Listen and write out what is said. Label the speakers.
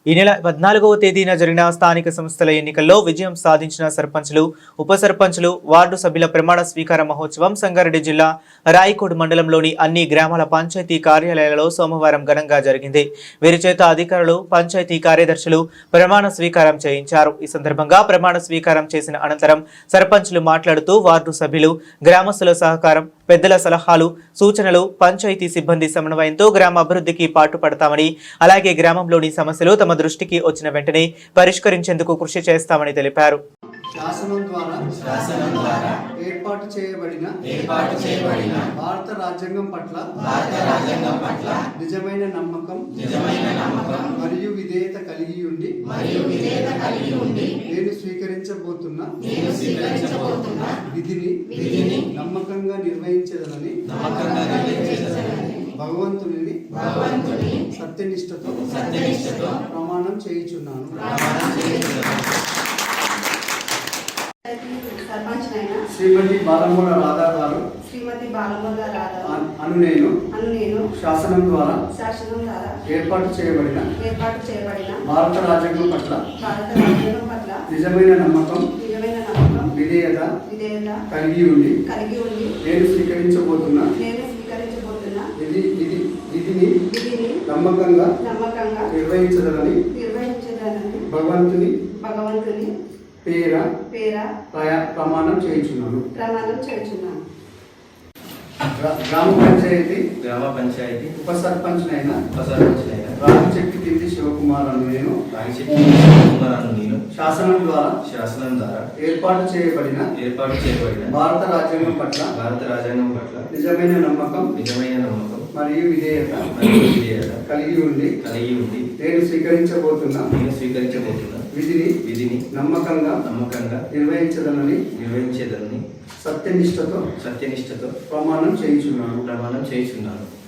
Speaker 1: ఈ నెల 14వ తేదీన జరిగిన స్థానిక సంస్థల ఎన్నికల్లో విజయం సాధించిన సర్పంచులు, ఉప సర్పంచులు, వార్డు సభ్యుల ప్రమాణ స్వీకార మహోత్సవం సంగారెడ్డి జిల్లా రాయకోడ్ మండలంలోని అన్ని గ్రామాల పంచాయతీ కార్యాలయాలలో సోమవారం ఘనంగా జరిగింది. వీరి చేత అధికారులు, పంచాయతీ కార్యదర్శులు ప్రమాణ స్వీకారం చేయించారు. ఈ సందర్భంగా ప్రమాణ స్వీకారం చేసిన అనంతరం సర్పంచులు మాట్లాడుతూ వార్డు సభ్యులు, గ్రామస్తుల సహకారం, పెద్దల సలహాలు, సూచనలు, పంచాయతీ సిబ్బంది సమన్వయంతో గ్రామ అభివృద్ధికి పాటుపడతామని, అలాగే గ్రామంలోని సమస్యలు తమ దృష్టికి వచ్చిన వెంటనే పరిష్కరించేందుకు కృషి చేస్తామని తెలిపారు.
Speaker 2: శాసనం ద్వారా ఏర్పాటు చేయబడిన భారత రాజ్యాంగం పట్ల నిజమైన నమ్మకం మరియు విధేయత కలిగి ఉండి నేను స్వీకరించబోతున్న విధిని నమ్మకంగా నిర్వహించదనని భగవంతుని సత్యనిష్టతో ప్రమాణం చేయుచున్నాను. శ్రీమతి బాలమూల రాధా గారు అను నేను శాసనం ద్వారా ఏర్పాటు చేయబడిన భారత రాజ్యాంగం పట్ల నిజమైన నమ్మకం విధేయత కలిగి ఉండి నేను స్వీకరించబోతున్న విధిని నమ్మకంగా నిర్వహించదనని భగవంతుని పేర ప్రమాణం చేయించున్నాను. గ్రామ పంచాయతీ ఉప సర్పంచ్ అయిన రాగిచెట్టి తింది శివకుమార్ అను నేను శాసనం ద్వారా ఏర్పాటు చేయబడిన భారత రాజ్యాంగం పట్ల నిజమైన నమ్మకం మరియు విధేయత కలిగి ఉండి నేను స్వీకరించబోతున్న విధిని నమ్మకంగా నిర్వహించదనని సత్యనిష్టతో ప్రమాణం చేయించున్నాను.